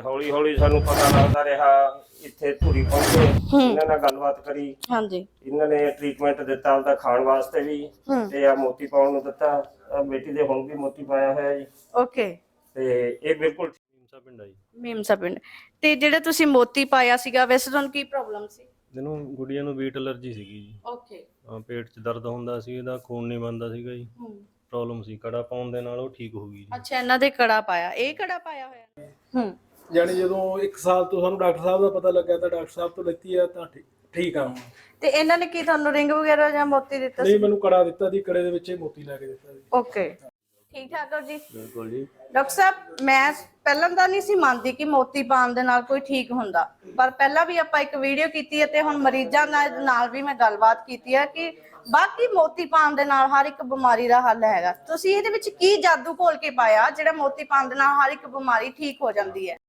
ਹੌਲੀ ਹੌਲੀ ਸਾਨੂੰ ਪਤਾ ਲੱਗਦਾ ਰਿਹਾ। ਇੱਥੇ ਧੂਰੀ ਪਹੁੰਚੇ, ਇਹਨਾਂ ਨਾਲ ਗੱਲਬਾਤ ਕਰੀ। ਹਾਂਜੀ, ਇਹਨਾਂ ਨੇ ਟ੍ਰੀਟਮੈਂਟ ਦਿੱਤਾ ਉਹਦਾ ਖਾਣ ਵਾਸਤੇ ਵੀ ਤੇ ਆ ਮੋਤੀ ਪਾਉਣ ਨੂੰ ਦਿੱਤਾ। ਬੇਟੀ ਦੇ ਹੁਣ ਵੀ ਮੋਤੀ ਪਾਇਆ ਹੋਇਆ ਜੀ। ਓਕੇ। ਤੇ ਇਹ ਬਿਲਕੁਲ ਮੀਮਸਾ ਪਿੰਡ ਆ ਜੀ। ਮੀਮਸਾ ਪਿੰਡ। ਤੇ ਜਿਹੜਾ ਤੁਸੀਂ ਮੋਤੀ ਪਾਇਆ ਸੀਗਾ, ਵੈਸੇ ਤੁਹਾਨੂੰ ਕੀ ਪ੍ਰੋਬਲਮ ਸੀ? ਇਹਨੂੰ ਗੁੜੀਆਂ ਨੂੰ ਵੀਟ ਐਲਰਜੀ ਸੀਗੀ ਜੀ। ਓਕੇ। ਪੇਟ 'ਚ ਦਰਦ ਹੁੰਦਾ ਸੀ, ਇਹਦਾ ਖੂਨ ਨਹੀਂ ਬਣਦਾ ਸੀਗਾ ਜੀ। ਪ੍ਰੋਬਲਮ ਸੀ, ਕੜਾ ਪਾਉਣ ਦੇ ਨਾਲ ਉਹ ਠੀਕ ਹੋ ਗਈ ਜੀ। ਅੱਛਾ, ਇਹਨਾਂ ਦੇ ਕੜਾ ਪਾਇਆ, ਇਹ ਕੜਾ ਪਾਇਆ ਹੋਇਆ। ਜਾਨੀ ਜਦੋਂ 1 ਸਾਲ ਤੋਂ ਸਾਨੂੰ ਡਾਕਟਰ ਸਾਹਿਬ ਦਾ ਪਤਾ ਲੱਗਾ ਤਾਂ ਡਾਕਟਰ ਸਾਹਿਬ ਤੋਂ ਲੈਤੀ ਆ ਤਾਂ ਠੀਕ ਆ ਹੁਣ। ਤੇ ਇਹਨਾਂ ਨੇ ਕੀ ਤੁਹਾਨੂੰ ਰਿੰਗ ਵਗੈਰਾ ਜਾਂ ਮੋਤੀ ਦਿੱਤਾ ਸੀ? ਨਹੀਂ, ਮੈਨੂੰ ਕੜਾ ਦਿੱਤਾ ਸੀ, ਕੜੇ ਦੇ ਵਿੱਚ ਹੀ ਮੋਤੀ ਲੈ ਕੇ ਦਿੱਤਾ ਸੀ। ਓਕੇ, ਠੀਕ ਠਾਕ ਹੋ ਜੀ? ਬਿਲਕੁਲ ਜੀ। ਡਾਕਟਰ ਸਾਹਿਬ, ਮੈਂ ਪਹਿਲਾਂ ਤਾਂ ਨਹੀਂ ਸੀ ਮੰਨਦੀ ਕਿ ਮੋਤੀ ਪਾਉਣ ਦੇ ਨਾਲ ਕੋਈ ਠੀਕ ਹੁੰਦਾ, ਪਰ ਪਹਿਲਾਂ ਵੀ ਆਪਾਂ ਇੱਕ ਵੀਡੀਓ ਕੀਤੀ ਹੈ ਤੇ ਹੁਣ ਮਰੀਜ਼ਾਂ ਨਾਲ ਵੀ ਮੈਂ ਗੱਲਬਾਤ ਕੀਤੀ ਹੈ ਕਿ ਬਾਕੀ ਮੋਤੀ ਪਾਉਣ ਦੇ ਨਾਲ ਹਰ ਇੱਕ ਬਿਮਾਰੀ ਦਾ ਹੱਲ ਹੈਗਾ। ਤੁਸੀਂ ਇਹਦੇ ਵਿੱਚ ਕੀ ਜਾਦੂ ਘੋਲ ਕੇ ਪਾਇਆ ਜਿਹੜਾ ਮੋਤੀ ਪਾਉਣ ਦੇ ਨਾਲ ਹਰ ਇੱਕ ਬਿਮਾਰੀ ਠੀਕ ਹੋ ਜਾਂਦੀ ਹੈ?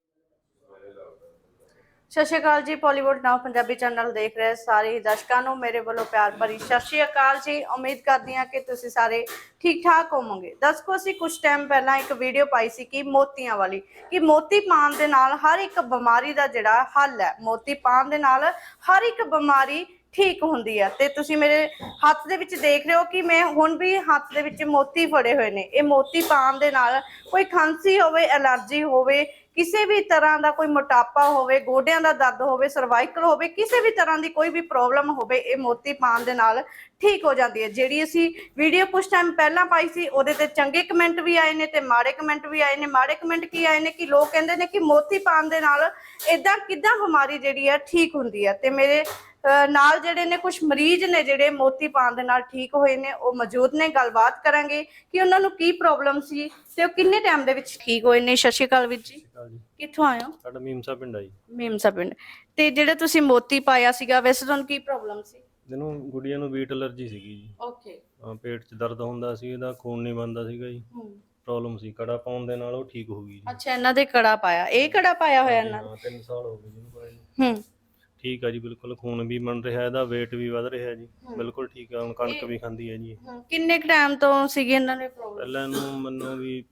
ਸਤਿ ਸ਼੍ਰੀ ਅਕਾਲ ਜੀ, ਪੋਲੀਵੁੱਡ ਨਾਓ ਪੰਜਾਬੀ ਚੈਨਲ ਦੇਖ ਰਹੇ ਸਾਰੇ ਦਰਸ਼ਕਾਂ ਨੂੰ ਮੇਰੇ ਵੱਲੋਂ ਪਿਆਰ ਭਰੀ ਸਤਿ ਸ਼੍ਰੀ ਅਕਾਲ ਜੀ। ਉਮੀਦ ਕਰਦੀ ਹਾਂ ਕਿ ਤੁਸੀਂ ਸਾਰੇ ਠੀਕ ਠਾਕ ਹੋਵੋਗੇ। ਦਰਸ਼ਕੋ, ਅਸੀਂ ਕੁਝ ਟਾਈਮ ਪਹਿਲਾਂ ਇੱਕ ਵੀਡੀਓ ਪਾਈ ਸੀ ਕਿ ਮੋਤੀਆਂ ਵਾਲੀ, ਕਿ ਮੋਤੀ ਪਾਉਣ ਦੇ ਨਾਲ ਹਰ ਇੱਕ ਬਿਮਾਰੀ ਦਾ ਜਿਹੜਾ ਹੱਲ ਹੈ, ਮੋਤੀ ਪਾਉਣ ਦੇ ਨਾਲ ਹਰ ਇੱਕ ਬਿਮਾਰੀ ਠੀਕ ਹੁੰਦੀ ਹੈ। ਤੇ ਤੁਸੀਂ ਮੇਰੇ ਹੱਥ ਦੇ ਵਿੱਚ ਦੇਖ ਰਹੇ ਹੋ ਕਿ ਮੈਂ ਹੁਣ ਵੀ ਹੱਥ ਦੇ ਵਿੱਚ ਮੋਤੀ ਫੜੇ ਹੋਏ ਨੇ। ਇਹ ਮੋਤੀ ਪਾਉਣ ਦੇ ਨਾਲ ਕੋਈ ਖਾਂਸੀ ਹੋਵੇ, ਐਲਰਜੀ ਹੋਵੇ, ਕਿਸੇ ਵੀ ਤਰ੍ਹਾਂ ਦਾ ਕੋਈ ਮੋਟਾਪਾ ਹੋਵੇ, ਗੋਡਿਆਂ ਦਾ ਦਰਦ ਹੋਵੇ, ਸਰਵਾਈਕਲ ਹੋਵੇ, ਕਿਸੇ ਵੀ ਤਰ੍ਹਾਂ ਦੀ ਕੋਈ ਵੀ ਪ੍ਰੋਬਲਮ ਹੋਵੇ, ਇਹ ਮੋਤੀ ਪਾਉਣ ਦੇ ਨਾਲ ਠੀਕ ਹੋ ਜਾਂਦੀ ਹੈ। ਜਿਹੜੀ ਅਸੀਂ ਵੀਡੀਓ ਕੁਝ ਟਾਈਮ ਪਹਿਲਾਂ ਪਾਈ ਸੀ ਉਹਦੇ ਤੇ ਚੰਗੇ ਕਮੈਂਟ ਵੀ ਆਏ ਨੇ ਤੇ ਮਾੜੇ ਕਮੈਂਟ ਵੀ ਆਏ ਨੇ। ਮਾੜੇ ਕਮੈਂਟ ਕੀ ਆਏ ਨੇ ਕਿ ਲੋਕ ਕਹਿੰਦੇ ਨੇ ਕਿ ਮੋਤੀ ਪਾਉਣ ਦੇ ਨਾਲ ਇਦਾਂ ਕਿੱਦਾਂ ਬਿਮਾਰੀ ਜਿਹੜੀ ਹੈ ਠੀਕ ਹੁੰਦੀ ਹੈ। ਤੇ ਮੇਰੇ ਨਾਲ ਜਿਹੜੇ ਨੇ ਕੁਝ ਮਰੀਜ਼ ਨੇ ਜਿਹੜੇ ਮੋਤੀ ਪਾਉਣ ਦੇ ਨਾਲ ਠੀਕ ਹੋਏ ਨੇ, ਉਹ ਮੌਜੂਦ ਨੇ। ਗੱਲਬਾਤ ਕਰਾਂਗੇ ਕਿ ਉਹਨਾਂ ਨੂੰ ਕੀ ਪ੍ਰੋਬਲਮ ਸੀ ਤੇ ਉਹ ਕਿੰਨੇ ਟਾਈਮ ਦੇ ਵਿੱਚ ਠੀਕ ਹੋਏ ਨੇ। ਸਤਿ ਸ਼੍ਰੀ ਅਕਾਲ ਵੀਰ ਜੀ, ਕਿੱਥੋਂ ਆਏ ਹੋ? ਸਾਡਾ ਮੀਮਸਾ ਪਿੰਡ ਆ ਜੀ। ਮੀਮਸਾ ਪਿੰਡ। ਤੇ ਜਿਹੜਾ ਤੁਸੀਂ ਮੋਤੀ ਪਾਇਆ ਸੀਗਾ, ਵੈਸੇ ਤੁਹਾਨੂੰ ਕੀ ਪ੍ਰੋਬਲਮ ਸੀ? ਇਹਨੂੰ ਗੁੜੀਆਂ ਨੂੰ ਵੀਟ ਐਲਰਜੀ ਸੀਗੀ ਜੀ। ਓਕੇ। ਪੇਟ 'ਚ ਦਰਦ ਹੁੰਦਾ ਸੀ, ਇਹਦਾ ਖੂਨ ਨਹੀਂ ਬਣਦਾ ਸੀਗਾ ਜੀ। ਪ੍ਰੋਬਲਮ ਸੀ, ਕੜਾ ਪਾਉਣ ਦੇ ਨਾਲ ਉਹ ਠੀਕ ਹੋ ਗਈ ਜੀ। ਅੱਛਾ, ਇਹਨਾਂ ਦੇ ਕੜਾ ਪਾਇਆ, ਇਹ ਕੜਾ ਪਾਇਆ ਹੋਇਆ ਇਹਨਾਂ ਨੇ? 3 ਸਾਲ ਹੋ ਗਏ ਜੀ ਪਾਏ। ਠੀਕ ਆ ਜੀ, ਬਿਲਕੁਲ ਖੂਨ ਵੀ ਬਣ ਰਿਹਾ, ਇਹਦਾ weight ਵੀ ਵਧ ਰਿਹਾ ਜੀ। ਬਿਲਕੁਲ ਠੀਕ ਆ, ਹੁਣ ਕਣਕ ਵੀ ਖਾਂਦੀ ਹੈ ਜੀ। ਕਿੰਨੇ ਟਾਈਮ ਤੋਂ ਸੀਗੀ ਇਹਨਾਂ ਨੂੰ ਪ੍ਰੋਬਲਮ? ਪਹਿਲਾਂ ਇਹਨੂੰ ਮੈਨੂੰ ਵੀ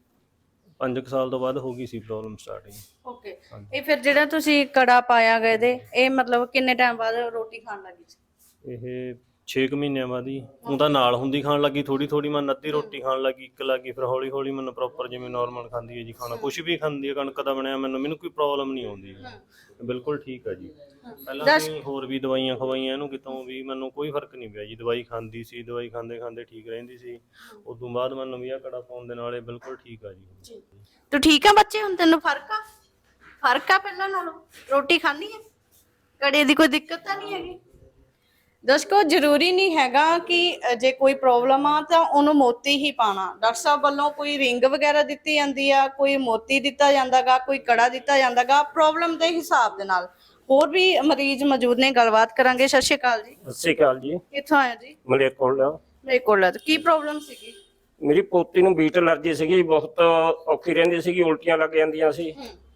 5 ਸਾਲ ਤੋਂ ਬਾਅਦ ਹੋ ਗਈ ਸੀ ਪ੍ਰੋਬਲਮ ਸਟਾਰਟਿੰਗ। ਓਕੇ। ਇਹ ਫਿਰ ਜਿਹੜਾ ਤੁਸੀਂ ਕੜਾ ਪਾਇਆ ਗਏ ਦੇ, ਇਹ ਮਤਲਬ ਕਿੰਨੇ ਟਾਈਮ ਬਾਅਦ ਰੋਟੀ ਖਾਣ ਲੱਗੀ ਸੀ? ਇਹ 6 ਮਹੀਨਿਆਂ ਬਾਅਦ ਹੀ। ਉਹ ਤਾਂ ਨਾਲ ਹੁੰਦੀ ਖਾਣ ਲੱਗੀ, ਥੋੜੀ ਥੋੜੀ ਮੈਂ ਅੱਧੀ ਰੋਟੀ ਖਾਣ ਲੱਗੀ, ਇੱਕ ਲੱਗੀ, ਫਿਰ ਹੌਲੀ ਹੌਲੀ ਮੈਨੂੰ ਪ੍ਰੋਪਰ ਜਿਵੇਂ ਨਾਰਮਲ ਖਾਂਦੀ ਹੈ ਜੀ ਖਾਣਾ, ਕੁਝ ਵੀ ਖਾਂਦੀ ਹੈ, ਕਣਕ ਦਾ ਬਣਿਆ, ਮੈਨੂੰ ਕੋਈ ਪ੍ਰੋਬਲਮ ਨਹੀਂ ਆਉਂਦੀ, ਬਿਲਕੁਲ ਠੀਕ ਆ ਜੀ। ਪਹਿਲਾਂ ਵੀ ਹੋਰ ਵੀ ਦਵਾਈਆਂ ਖਵਾਈਆਂ ਇਹਨੂੰ, ਕਿਤੋਂ ਵੀ ਮੈਨੂੰ ਕੋਈ ਫਰਕ ਨਹੀਂ ਪਿਆ ਜੀ। ਦਵਾਈ ਖਾਂਦੀ ਸੀ, ਦਵਾਈ ਖਾਂਦੇ ਖਾਂਦੇ ਠੀਕ ਰਹਿੰਦੀ ਸੀ। ਉਸ ਤੋਂ ਬਾਅਦ ਮੈਨੂੰ ਵੀ ਆ ਕੜਾ ਪਾਉਣ ਦੇ ਨਾਲ ਇਹ ਬਿਲਕੁਲ ਠੀਕ ਆ ਜੀ। ਤੂੰ ਠੀਕ ਆ ਬੱਚੇ? ਹੁਣ ਤੈਨੂੰ ਫਰਕ ਆ? ਫਰਕ ਆ ਪਹਿਲਾਂ ਨਾਲੋਂ? ਰੋਟੀ ਖਾਂਦੀ ਹੈ? ਕੜੇ ਦੀ ਕੋਈ ਦਿੱਕਤ ਤਾਂ ਨਹੀਂ ਹੈਗੀ? ਦਰਸ਼ਕੋ, ਜ਼ਰੂਰੀ ਨਹੀਂ ਹੈਗਾ ਕਿ ਜੇ ਕੋਈ ਪ੍ਰੋਬਲਮ ਆ ਤਾਂ ਉਹਨੂੰ ਮੋਤੀ ਹੀ ਪਾਣਾ। ਡਾਕਟਰ ਸਾਹਿਬ ਵੱਲੋਂ ਕੋਈ ਰਿੰਗ ਵਗੈਰਾ ਦਿੱਤੀ ਜਾਂਦੀ ਆ, ਕੋਈ ਮੋਤੀ ਦਿੱਤਾ ਜਾਂਦਾਗਾ, ਕੋਈ ਕੜਾ ਦਿੱਤਾ ਜਾਂਦਾਗਾ, ਪ੍ਰੋਬਲਮ ਦੇ ਹਿਸਾਬ ਦੇ ਨਾਲ। ਹੋਰ ਵੀ ਮਰੀਜ਼ ਮੌਜੂਦ ਨੇ, ਗੱਲਬਾਤ ਕਰਾਂਗੇ। ਸਤਿ ਸ਼੍ਰੀ ਅਕਾਲ ਜੀ। ਸਤਿ ਸ਼੍ਰੀ ਅਕਾਲ ਜੀ। ਕਿੱਥੋਂ ਆਏ ਜੀ? ਮਲੇਰਕੋਟਲਾ। ਮਲੇਰਕੋਟਲਾ। ਕੀ ਪ੍ਰੋਬਲਮ ਸੀਗੀ? ਮੇਰੀ ਪੋਤੀ ਨੂੰ ਵੀਟ ਐਲਰਜੀ ਸੀਗੀ, ਬਹੁਤ ਔਖੀ ਰਹਿੰਦੀ ਸੀਗੀ, ਉਲਟੀਆਂ ਲੱਗ ਜਾਂਦੀਆਂ ਸੀ।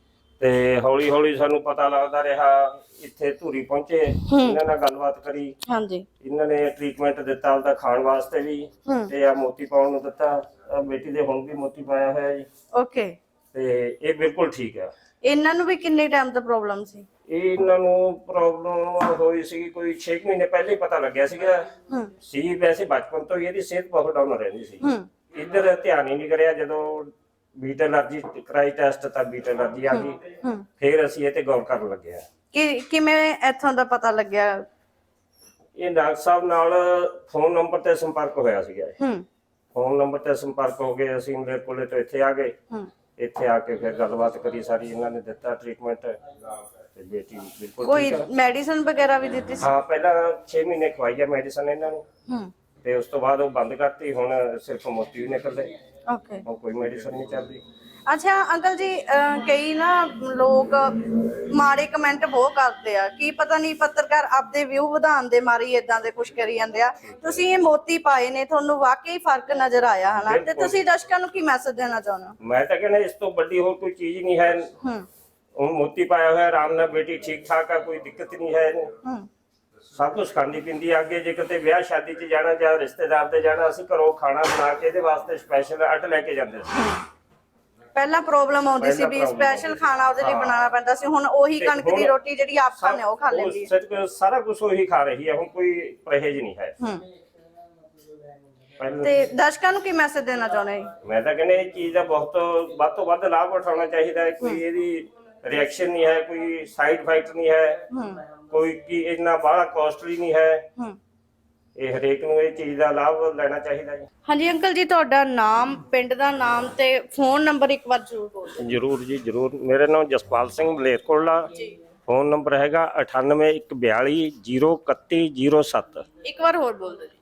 ਤੇ ਹੌਲੀ ਹੌਲੀ ਸਾਨੂੰ ਪਤਾ ਲੱਗਦਾ ਰਿਹਾ। ਇੱਥੇ ਧੂਰੀ ਪਹੁੰਚੇ, ਇਹਨਾਂ ਨਾਲ ਗੱਲਬਾਤ ਕਰੀ। ਹਾਂਜੀ। ਇਹਨਾਂ ਨੇ ਟ੍ਰੀਟਮੈਂਟ ਦਿੱਤਾ ਉਹਦਾ ਖਾਣ ਵਾਸਤੇ ਵੀ ਤੇ ਆ ਮੋਤੀ ਪਾਉਣ ਨੂੰ ਦਿੱਤਾ। ਬੇਟੀ ਦੇ ਹੁਣ ਵੀ ਮੋਤੀ ਪਾਇਆ ਹੋਇਆ ਜੀ। ਓਕੇ। ਤੇ ਇਹ ਬਿਲਕੁਲ ਠੀਕ ਆ। ਇਹਨਾਂ ਨੂੰ ਵੀ ਕਿੰਨੇ ਟਾਈਮ ਤੋਂ ਪ੍ਰੋਬਲਮ ਸੀ? ਇਹਨਾਂ ਨੂੰ ਪ੍ਰੋਬਲਮ ਹੋਈ ਸੀ ਕੋਈ 6 ਮਹੀਨੇ ਪਹਿਲੇ ਹੀ ਪਤਾ ਲੱਗਿਆ ਸੀਗਾ। ਸੀ ਵੈਸੇ ਬਚਪਨ ਤੋਂ ਹੀ ਇਹਦੀ ਸਿਹਤ ਬਹੁਤ ਡਾਊਨ ਰਹਿੰਦੀ ਸੀ। ਇੱਧਰ ਧਿਆਨ ਹੀ ਨਹੀਂ ਕਰਿਆ। ਜਦੋਂ ਬੀਟ ਐਲਰਜੀ ਕਰਾਈ ਟੈਸਟ ਤਾਂ ਬੀਟ ਐਲਰਜੀ ਆ ਗਈ। ਫਿਰ ਅਸੀਂ ਇਹ ਤੇ ਗੌਰ ਕਰਨ ਲੱਗੇ ਆ। ਕਿਵੇਂ ਇੱਥੋਂ ਦਾ ਪਤਾ ਲੱਗਿਆ? ਇਹ ਡਾਕਟਰ ਸਾਹਿਬ ਨਾਲ ਫੋਨ ਨੰਬਰ ਤੇ ਸੰਪਰਕ ਹੋਇਆ ਸੀਗਾ। ਫੋਨ ਨੰਬਰ ਤੇ ਸੰਪਰਕ ਹੋ ਗਏ, ਅਸੀਂ ਮੇਰੇ ਕੋਲੇ ਤੋਂ ਇੱਥੇ ਆ ਗਏ। ਇੱਥੇ ਆ ਕੇ ਫਿਰ ਗੱਲਬਾਤ ਕਰੀ ਸਾਰੀ, ਇਹਨਾਂ ਨੇ ਦਿੱਤਾ ਟ੍ਰੀਟਮੈਂਟ ਤੇ ਬੇਟੀ ਬਿਲਕੁਲ ਕੋਈ ਮੈਡੀਸਨ ਵਗੈਰਾ ਵੀ ਦਿੱਤੀ ਸੀ? ਹਾਂ, ਪਹਿਲਾਂ 6 ਮਹੀਨੇ ਖਵਾਈ ਆ ਮੈਡੀਸਨ ਇਹਨਾਂ ਨੂੰ ਤੇ ਉਸ ਤੋਂ ਬਾਅਦ ਉਹ ਬੰਦ ਕਰਤੀ। ਹੁਣ ਸਿਰਫ ਮੋਤੀ ਹੀ ਨਿਕਲਦੇ। ਓਕੇ। ਹੁਣ ਕੋਈ ਮੈਡੀਸਨ ਨਹੀਂ ਚੱਲਦੀ। ਅੱਛਾ ਅੰਕਲ ਜੀ, ਕਈ ਨਾ ਲੋਕ ਮਾੜੇ ਕਮੈਂਟ ਬਹੁਤ ਕਰਦੇ ਆ, ਕੀ ਪਤਾ ਨਹੀਂ ਪੱਤਰਕਾਰ ਆਪਦੇ ਵਿਊ ਵਧਾਉਣ ਦੇ ਮਾਰੀ ਇਦਾਂ ਦੇ ਕੁਝ ਕਰੀ ਜਾਂਦੇ ਆ। ਤੁਸੀਂ ਇਹ ਮੋਤੀ ਪਾਏ ਨੇ, ਤੁਹਾਨੂੰ ਵਾਕਈ ਫਰਕ ਨਜ਼ਰ ਆਇਆ ਹਨਾ? ਤੇ ਤੁਸੀਂ ਦਰਸ਼ਕਾਂ ਨੂੰ ਕੀ ਮੈਸੇਜ ਦੇਣਾ ਚਾਹੁੰਦੇ ਹੋ? ਮੈਂ ਤਾਂ ਕਹਿੰਦਾ ਇਸ ਤੋਂ ਵੱਡੀ ਹੋਰ ਕੋਈ ਚੀਜ਼ ਨਹੀਂ ਹੈ। ਹੁਣ ਮੋਤੀ ਪਾਇਆ ਹੋਇਆ, ਆਰਾਮ ਨਾਲ ਬੇਟੀ ਠੀਕ ਠਾਕ ਆ, ਕੋਈ ਦਿੱਕਤ ਨਹੀਂ ਹੈ ਇਹਨੂੰ। ਸਭ ਕੁਝ ਖਾਂਦੀ ਪੀਂਦੀ ਆ। ਅੱਗੇ ਜੇ ਕਿਤੇ ਵਿਆਹ ਸ਼ਾਦੀ 'ਚ ਜਾਣਾ ਜਾਂ ਰਿਸ਼ਤੇਦਾਰ ਦੇ ਜਾਣਾ, ਅਸੀਂ ਘਰੋਂ ਖਾਣਾ ਬਣਾ ਕੇ ਇਹਦੇ ਵਾਸਤੇ ਸਪੈਸ਼ਲ ਅੱਡ ਲੈ ਕੇ ਜਾਂਦੇ ਸੀ। ਪਹਿਲਾਂ ਪ੍ਰੋਬਲਮ ਆਉਂਦੀ ਸੀ ਵੀ ਸਪੈਸ਼ਲ ਖਾਣਾ ਉਹਦੇ ਲਈ ਬਣਾਉਣਾ ਪੈਂਦਾ ਸੀ, ਹੁਣ ਉਹੀ ਕਣਕ ਦੀ ਰੋਟੀ ਜਿਹੜੀ ਆਪ ਖਾਂਦੇ ਉਹ ਖਾ ਲੈਂਦੀ ਹੈ। ਸਾਰਾ ਕੁਝ ਉਹੀ ਖਾ ਰਹੀ ਹੈ, ਹੁਣ ਕੋਈ ਪਰਹੇਜ਼ ਨਹੀਂ ਹੈ। ਤੇ ਦਰਸ਼ਕਾਂ ਨੂੰ ਕੀ ਮੈਸੇਜ ਦੇਣਾ ਚਾਹੁੰਦੇ ਜੀ? ਮੈਂ ਤਾਂ ਕਹਿੰਦਾ ਇਹ ਚੀਜ਼ ਦਾ ਵੱਧ ਤੋਂ ਵੱਧ ਲਾਭ ਉਠਾਉਣਾ ਚਾਹੀਦਾ ਹੈ। ਕੋਈ ਇਹਦੀ ਰਿਐਕਸ਼ਨ ਨਹੀਂ ਹੈ, ਕੋਈ ਸਾਈਡ ਇਫੈਕਟ ਨਹੀਂ ਹੈ, ਕੋਈ ਕੀ ਇੰਨਾ ਬਾਹਲਾ ਕਾਸਟਲੀ ਨਹੀਂ ਹੈ। ਇਹ ਹਰੇਕ ਨੂੰ ਇਹ ਚੀਜ਼ ਦਾ ਲਾਭ ਲੈਣਾ ਚਾਹੀਦਾ ਜੀ। ਹਾਂਜੀ ਅੰਕਲ ਜੀ, ਤੁਹਾਡਾ ਨਾਮ, ਪਿੰਡ ਦਾ ਨਾਮ ਤੇ ਫੋਨ ਨੰਬਰ ਇੱਕ ਵਾਰ ਜ਼ਰੂਰ ਬੋਲੋ। ਜਰੂਰ ਜੀ ਜਰੂਰ। ਮੇਰਾ ਨਾਮ ਜਸਪਾਲ ਸਿੰਘ ਮਲੇਰਕੋਟਲਾ, ਫੋਨ ਨੰਬਰ ਹੈਗਾ 9814203107। ਇੱਕ ਵਾਰ ਹੋਰ ਬੋਲ ਦਿਓ ਜੀ।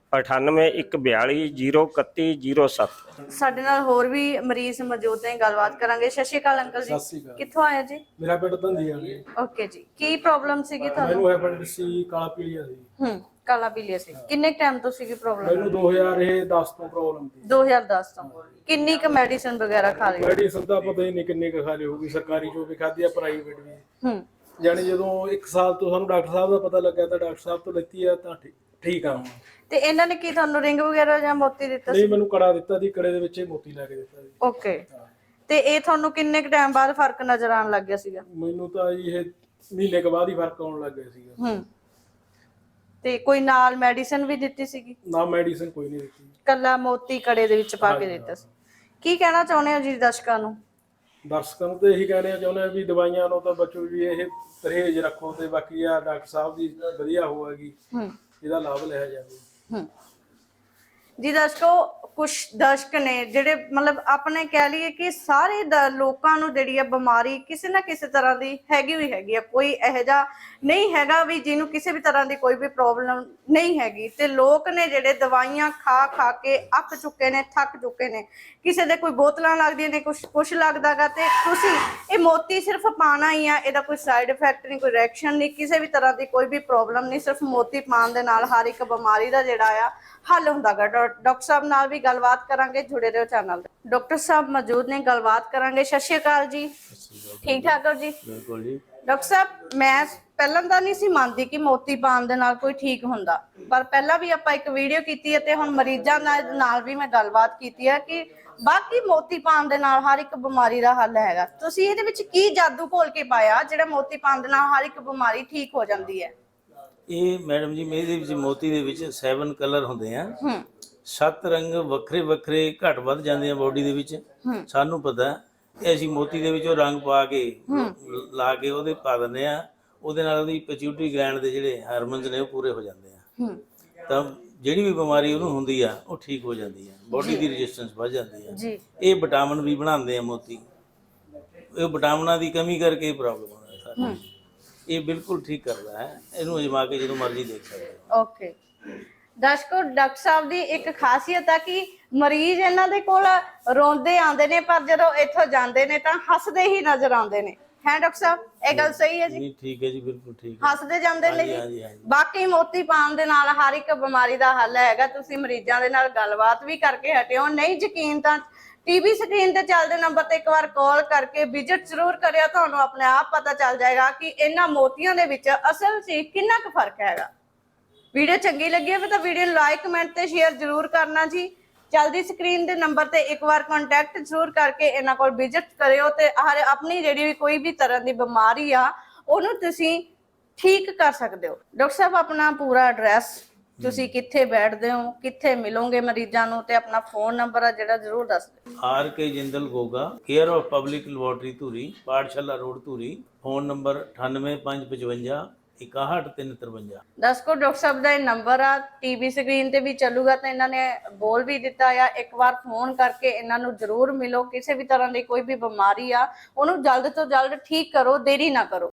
9814203107। ਸਾਡੇ ਨਾਲ ਹੋਰ ਵੀ ਮਰੀਜ਼ ਮੌਜੂਦ ਨੇ, ਗੱਲਬਾਤ ਕਰਾਂਗੇ। ਸਤਿ ਸ਼੍ਰੀ ਅਕਾਲ ਅੰਕਲ ਜੀ। ਸਤਿ ਸ਼੍ਰੀ ਅਕਾਲ। ਕਿੱਥੋਂ ਆਏ ਜੀ? ਮੇਰਾ ਪਿੰਡ ਧੰਦੀਆਂ ਜੀ। ਓਕੇ ਜੀ, ਕੀ ਪ੍ਰੋਬਲਮ ਸੀਗੀ ਤੁਹਾਨੂੰ? ਮੈਨੂੰ ਹੈਪੇਟਾਈਟਸ ਸੀ, ਕਾਲਾ ਪੀਲੀਆ ਸੀ। ਕਾਲਾ ਪੀਲੀਆ ਸੀ। ਕਿੰਨੇ ਟਾਈਮ ਤੋਂ ਸੀਗੀ ਪ੍ਰੋਬਲਮ? ਮੈਨੂੰ 2010 ਤੋਂ ਪ੍ਰੋਬਲਮ ਸੀ। 2010 ਤੋਂ। ਕਿੰਨੀ ਕੁ ਮੈਡੀਸਿਨ ਵਗੈਰਾ ਖਾ ਲਈ? ਮੈਡੀਸਨ ਦਾ ਪਤਾ ਹੀ ਨਹੀਂ ਕਿੰਨੇ ਕੁ ਖਾ ਲਈ ਹੋਊਗੀ, ਸਰਕਾਰੀ ਜੋ ਵੀ ਖਾਧੀ ਆ, ਪ੍ਰਾਈਵੇਟ ਵੀ। ਜਾਨੀ ਜਦੋਂ 1 ਸਾਲ ਤੋਂ ਸਾਨੂੰ ਡਾਕਟਰ ਸਾਹਿਬ ਦਾ ਪਤਾ ਲੱਗਿਆ ਤਾਂ ਡਾਕਟਰ ਸਾਹਿਬ ਤੋਂ ਲੈਤੀ ਆ ਤਾਂ ਠੀਕ ਆ ਹੁਣ। ਤੇ ਇਹਨਾਂ ਨੇ ਕੀ ਤੁਹਾਨੂੰ ਰਿੰਗ ਵਗੈਰਾ ਜਾਂ ਮੋਤੀ ਦਿੱਤਾ ਸੀ? ਨਹੀਂ, ਮੈਨੂੰ ਕੜਾ ਦਿੱਤਾ ਸੀ, ਕੜੇ ਦੇ ਵਿੱਚ ਹੀ ਮੋਤੀ ਲਾ ਕੇ ਦਿੱਤਾ ਸੀ। ਓਕੇ। ਤੇ ਇਹ ਤੁਹਾਨੂੰ ਕਿੰਨੇ ਕੁ ਟਾਈਮ ਬਾਅਦ ਫਰਕ ਨਜ਼ਰ ਆਉਣ ਲੱਗ ਗਿਆ ਸੀਗਾ? ਮੈਨੂੰ ਤਾਂ ਇਹ ਮਹੀਨੇ ਕੁ ਬਾਅਦ ਹੀ ਫਰਕ ਆਉਣ ਲੱਗ ਗਿਆ ਸੀਗਾ। ਤੇ ਕੋਈ ਨਾਲ ਮੈਡੀਸਿਨ ਵੀ ਦਿੱਤੀ ਸੀਗੀ? ਨਾ, ਮੈਡੀਸਿਨ ਕੋਈ ਨਹੀਂ ਦਿੱਤੀ, ਕੱਲਾ ਮੋਤੀ ਕੜੇ ਦੇ ਵਿੱਚ ਪਾ ਕੇ ਦਿੱਤਾ ਸੀ। ਕੀ ਕਹਿਣਾ ਚਾਹੁੰਦੇ ਹੋ ਜੀ ਦਰਸ਼ਕਾਂ ਨੂੰ? ਦਰਸ਼ਕਾਂ ਨੂੰ ਤਾਂ ਇਹੀ ਕਹਿਣਾ ਚਾਹੁੰਦੇ ਆ ਵੀ ਦਵਾਈਆਂ ਨੂੰ ਤਾਂ ਬਚੋ ਜੀ, ਇਹ ਪਰਹੇਜ਼ ਰੱਖੋ ਤੇ ਬਾਕੀ ਆ ਡਾਕਟਰ ਸਾਹਿਬ ਦੀ ਵਧੀਆ ਹੋਵੇਗੀ, ਇਹਦਾ ਲਾਭ ਲਿਆ ਜਾਵੇ। ਜੀ ਦਰਸ਼ਕੋ, ਕੁਝ ਦਰਸ਼ਕ ਨੇ ਜਿਹੜੇ ਮਤਲਬ ਆਪਣੇ ਕਹਿ ਲਈਏ ਕਿ ਸਾਰੇ ਲੋਕਾਂ ਨੂੰ ਜਿਹੜੀ ਆ ਬਿਮਾਰੀ ਕਿਸੇ ਨਾ ਕਿਸੇ ਤਰ੍ਹਾਂ ਦੀ ਹੈਗੀ ਆ। ਕੋਈ ਇਹੋ ਜਿਹਾ ਨਹੀਂ ਹੈਗਾ ਵੀ ਜਿਹਨੂੰ ਕਿਸੇ ਵੀ ਤਰ੍ਹਾਂ ਦੀ ਕੋਈ ਵੀ ਪ੍ਰੋਬਲਮ ਨਹੀਂ ਹੈਗੀ। ਤੇ ਲੋਕ ਨੇ ਜਿਹੜੇ ਦਵਾਈਆਂ ਖਾ ਕੇ ਅੱਕ ਚੁੱਕੇ ਨੇ, ਥੱਕ ਚੁੱਕੇ ਨੇ। ਕਿਸੇ ਦੇ ਕੋਈ ਬੋਤਲਾਂ ਲੱਗਦੀਆਂ ਨੇ, ਕੁਛ ਲੱਗਦਾਗਾ। ਤੇ ਤੁਸੀਂ ਇਹ ਮੋਤੀ ਸਿਰਫ ਪਾਣਾ ਹੀ ਆ, ਇਹਦਾ ਕੋਈ ਸਾਈਡ ਇਫੈਕਟ ਨਹੀਂ, ਕੋਈ ਰਿਐਕਸ਼ਨ ਨਹੀਂ, ਕਿਸੇ ਵੀ ਤਰ੍ਹਾਂ ਦੀ ਕੋਈ ਵੀ ਪ੍ਰੋਬਲਮ ਨਹੀਂ। ਸਿਰਫ ਮੋਤੀ ਪਾਣ ਦੇ ਨਾਲ ਹਰ ਇੱਕ ਬਿਮਾਰੀ ਦਾ ਜਿਹੜਾ ਆ ਹੱਲ ਹੁੰਦਾਗਾ। ਡਾਕਟਰ ਸਾਹਿਬ ਨਾਲ ਵੀ ਗੱਲਬਾਤ ਕਰਾਂਗੇ, ਜੁੜੇ ਰਹੋ ਚੈਨਲ ਤੇ। ਡਾਕਟਰ ਸਾਹਿਬ ਮੌਜੂਦ ਨੇ, ਗੱਲਬਾਤ ਕਰਾਂਗੇ। ਸਤਿ ਸ਼੍ਰੀ ਅਕਾਲ ਜੀ। ਠੀਕ ਠਾਕ ਹੋ ਜੀ? ਬਿਲਕੁਲ ਜੀ। ਡਾਕਟਰ ਸਾਹਿਬ, ਮੈਂ ਪਹਿਲਾਂ ਤਾਂ ਨਹੀਂ ਸੀ ਮੰਨਦੀ ਕਿ ਮੋਤੀ ਪਾਣ ਦੇ ਨਾਲ ਕੋਈ ਠੀਕ ਹੁੰਦਾ, ਪਰ ਪਹਿਲਾਂ ਵੀ ਆਪਾਂ ਇੱਕ ਵੀਡੀਓ ਕੀਤੀ ਹੈ ਤੇ ਹੁਣ ਮਰੀਜ਼ਾਂ ਨਾਲ ਵੀ ਮੈਂ ਗੱਲਬਾਤ ਕੀਤੀ ਹੈ ਕਿ ਬਾਕੀ ਮੋਤੀ ਪਾਣ ਦੇ ਨਾਲ ਹਰ ਇੱਕ ਬਿਮਾਰੀ ਦਾ ਹੱਲ ਹੈਗਾ। ਤੁਸੀਂ ਇਹਦੇ ਵਿੱਚ ਕੀ ਜਾਦੂ ਘੋਲ ਕੇ ਪਾਇਆ ਜਿਹੜਾ ਮੋਤੀ ਪਾਣ ਦੇ ਨਾਲ ਹਰ ਇੱਕ ਬਿਮਾਰੀ ਠੀਕ ਹੋ ਜਾਂਦੀ ਹੈ? ਇਹ ਮੈਡਮ ਜੀ, ਇਹਦੇ ਵਿੱਚ ਮੋਤੀ ਦੇ ਵਿੱਚ 7 ਕਲਰ ਹੁੰਦੇ ਆ। 7 ਰੰਗ ਵੱਖਰੇ ਵੱਖਰੇ ਘੱਟ ਵੱਧ ਜਾਂਦੇ ਆ ਬੋਡੀ ਦੇ ਵਿੱਚ। ਸਾਨੂੰ ਪਤਾ ਇਹ ਅਸੀਂ ਮੋਤੀ ਦੇ ਵਿੱਚ ਉਹ ਰੰਗ ਪਾ ਕੇ ਲਾ ਕੇ ਉਹਦੇ ਪਾ ਦਿੰਦੇ ਆ। ਉਹਦੇ ਨਾਲ ਉਹਦੀ ਪਿਚਿਊਟਰੀ ਗਲੈਂਡ ਦੇ ਜਿਹੜੇ ਹਾਰਮੋਨਸ ਨੇ ਉਹ ਪੂਰੇ ਹੋ ਜਾਂਦੇ ਆ। ਤਾਂ ਜਿਹੜੀ ਵੀ ਬਿਮਾਰੀ ਉਹਨੂੰ ਹੁੰਦੀ ਆ ਉਹ ਠੀਕ ਹੋ ਜਾਂਦੀ ਆ, ਬੋਡੀ ਦੀ ਰੈਜ਼ਿਸਟੈਂਸ ਵੱਧ ਜਾਂਦੀ ਆ। ਇਹ ਵਿਟਾਮਿਨ ਵੀ ਬਣਾਉਂਦੇ ਆ ਮੋਤੀ। ਇਹ ਵਿਟਾਮਿਨਾਂ ਦੀ ਕਮੀ ਕਰਕੇ ਇਹ ਪ੍ਰੋਬਲਮ ਹੋਣਾ ਸਾਰੀ। ਇਹ ਬਿਲਕੁਲ ਠੀਕ ਕਰਦਾ ਹੈ, ਇਹਨੂੰ ਅਜਮਾ ਕੇ ਜਦੋਂ ਮਰਜ਼ੀ ਦੇਖ ਸਕਦੇ ਹੋ। ਓਕੇ ਦਰਸ਼ਕੋ, ਡਾਕਟਰ ਸਾਹਿਬ ਦੀ ਇੱਕ ਖਾਸੀਅਤ ਆ ਕਿ ਮਰੀਜ਼ ਇਹਨਾਂ ਦੇ ਕੋਲ ਰੋਂਦੇ ਆਉਂਦੇ ਨੇ, ਪਰ ਜਦੋਂ ਇੱਥੋਂ ਜਾਂਦੇ ਨੇ ਤਾਂ ਹੱਸਦੇ ਹੀ ਨਜ਼ਰ ਆਉਂਦੇ ਨੇ। ਹੈ ਡਾਕਟਰ ਸਾਹਿਬ, ਇਹ ਗੱਲ ਸਹੀ ਹੈ ਜੀ? ਨਹੀਂ, ਠੀਕ ਹੈ ਜੀ, ਬਿਲਕੁਲ ਠੀਕ ਹੈ। ਹੱਸਦੇ ਜਾਂਦੇ ਨੇ ਜੀ। ਬਾਕੀ ਮੋਤੀ ਪਾਣ ਦੇ ਨਾਲ ਹਰ ਇੱਕ ਬਿਮਾਰੀ ਦਾ ਹੱਲ ਹੈਗਾ। ਤੁਸੀਂ ਮਰੀਜ਼ਾਂ ਦੇ ਨਾਲ ਗੱਲਬਾਤ ਵੀ ਕਰਕੇ ਹਟਿਓ। ਨਹੀਂ ਯਕੀਨ ਤਾਂ ਟੀਵੀ ਸਕਰੀਨ ਤੇ ਚੱਲਦੇ ਨੰਬਰ ਤੇ ਇੱਕ ਵਾਰ ਕਾਲ ਕਰਕੇ ਵਿਜ਼ਿਟ ਜ਼ਰੂਰ ਕਰਿਓ। ਤੁਹਾਨੂੰ ਆਪਣੇ ਆਪ ਪਤਾ ਚੱਲ ਜਾਏਗਾ ਕਿ ਇਹਨਾਂ ਮੋਤੀਆਂ ਦੇ ਵਿੱਚ ਅਸਲ 'ਚ ਕਿੰਨਾ ਕੁ ਫਰਕ ਹੈਗਾ। ਵੀਡੀਓ ਚੰਗੀ ਲੱਗੀ ਹੋਵੇ ਤਾਂ ਵੀਡੀਓ ਨੂੰ ਲਾਈਕ, ਕਮੈਂਟ ਤੇ ਸ਼ੇਅਰ ਜ਼ਰੂਰ ਕਰਨਾ ਜੀ। ਜਲਦੀ ਸਕਰੀਨ ਦੇ ਨੰਬਰ ਤੇ ਇੱਕ ਵਾਰ ਕੰਟੈਕਟ ਜ਼ਰੂਰ ਕਰਕੇ ਇਹਨਾਂ ਕੋਲ ਵਿਜ਼ਿਟ ਕਰਿਓ ਤੇ ਆਪਣੀ ਜਿਹੜੀ ਵੀ ਕੋਈ ਵੀ ਤਰ੍ਹਾਂ ਦੀ ਬਿਮਾਰੀ ਆ ਉਹਨੂੰ ਤੁਸੀਂ ਠੀਕ ਕਰ ਸਕਦੇ ਹੋ। ਡਾਕਟਰ ਸਾਹਿਬ, ਆਪਣਾ ਪੂਰਾ ਐਡਰੈਸ, ਤੁਸੀਂ ਕਿੱਥੇ ਬੈਠਦੇ ਹੋ, ਕਿੱਥੇ ਮਿਲੋਗੇ ਮਰੀਜ਼ਾਂ ਨੂੰ, ਤੇ ਆਪਣਾ ਫੋਨ ਨੰਬਰ ਆ ਜਿਹੜਾ ਜ਼ਰੂਰ ਦੱਸ ਦਿਓ। R.K. Jindal Goga, care of public laboratory Dhuri, Pathshala road Dhuri. Phone number 9855 61 ਦਰਸ਼ਕੋ, ਡਾਕਟਰ ਸਾਹਿਬ ਦਾ ਇਹ ਨੰਬਰ ਆ, ਟੀਵੀ ਸਕਰੀਨ ਤੇ ਵੀ ਚੱਲੂਗਾ ਤਾਂ ਇਹਨਾਂ ਨੇ ਬੋਲ ਵੀ ਦਿੱਤਾ ਆ। ਇੱਕ ਵਾਰ ਫੋਨ ਕਰਕੇ ਇਹਨਾਂ ਨੂੰ ਜ਼ਰੂਰ ਮਿਲੋ। ਕਿਸੇ ਵੀ ਤਰ੍ਹਾਂ ਦੀ ਕੋਈ ਵੀ ਬਿਮਾਰੀ ਆ ਉਹਨੂੰ ਜਲਦ ਤੋਂ ਜਲਦ ਠੀਕ ਕਰੋ, ਦੇਰੀ ਨਾ ਕਰੋ।